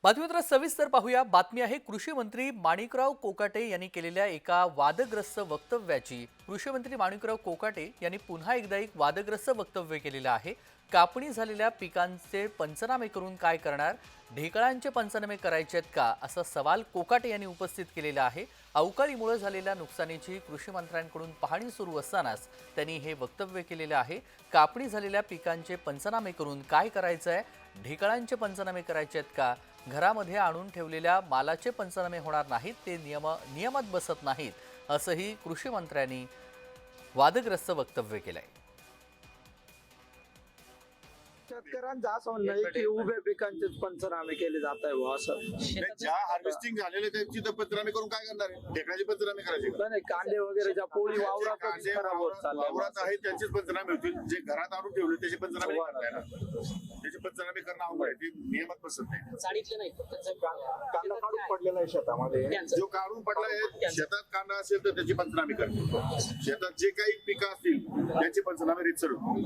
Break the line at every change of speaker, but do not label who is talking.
बातमीपत्रात सविस्तर पाहूया। बातमी आहे कृषी मंत्री माणिकराव कोकाटे यांनी केलेल्या एका वादग्रस्त वक्तव्याची। कृषी मंत्री माणिकराव कोकाटे यांनी पुन्हा एकदा एक वादग्रस्त वक्तव्य केलेलं आहे। कापणी झालेल्या पिकांचे पंचनामे करून काय करणार? ढेकळांचे पंचनामे करायचे आहेत का, असा सवाल कोकाटे यांनी उपस्थित केलेला आहे। अवकाळीमुळे झालेल्या नुकसानीची कृषी मंत्र्यांकडून पाहणी सुरू असतानाच त्यांनी हे वक्तव्य केलेलं आहे। कापणी झालेल्या पिकांचे पंचनामे करून काय करायचं आहे? ढेकळांचे पंचनामे करायचे आहेत का? घरामध्ये आणून ठेवलेल्या मालाचे पंचनामे होणार नाहीत, ते नियमात बसत नाहीत, असंही कृषी मंत्र्यांनी वादग्रस्त वक्तव्य केलंय।
शेतकऱ्यांचं असं म्हणणं आहे की उभ्या पिकांचेच पंचनामे केले जात आहे बुवा असं।
ज्या हार्वेस्टिंग झालेले त्यांची तर पंचनामे करून काय करणार आहे? ढेकळाचे पंचनामे करायचे का?
नाही, कांदे वगैरे ज्या पोळी वावरातच खराब होत चालल्या
वावरात आहेत त्यांचेच पंचनामे होतील। जे घरात आणून ठेवले त्याचे पंचनामे नाही करता येणार। त्याचे पंचनामे करणं अवघड आहे, ते नियमात बसत नाही।
साडीतले नाही
कांदा काढून पडलेला आहे शेतामध्ये,
जो काढून पडला आहे शेतात कांदा असेल तर त्याची पंचनामे करतील। शेतात जे काही पिकं असतील त्यांचे पंचनामे रीतसर होतील।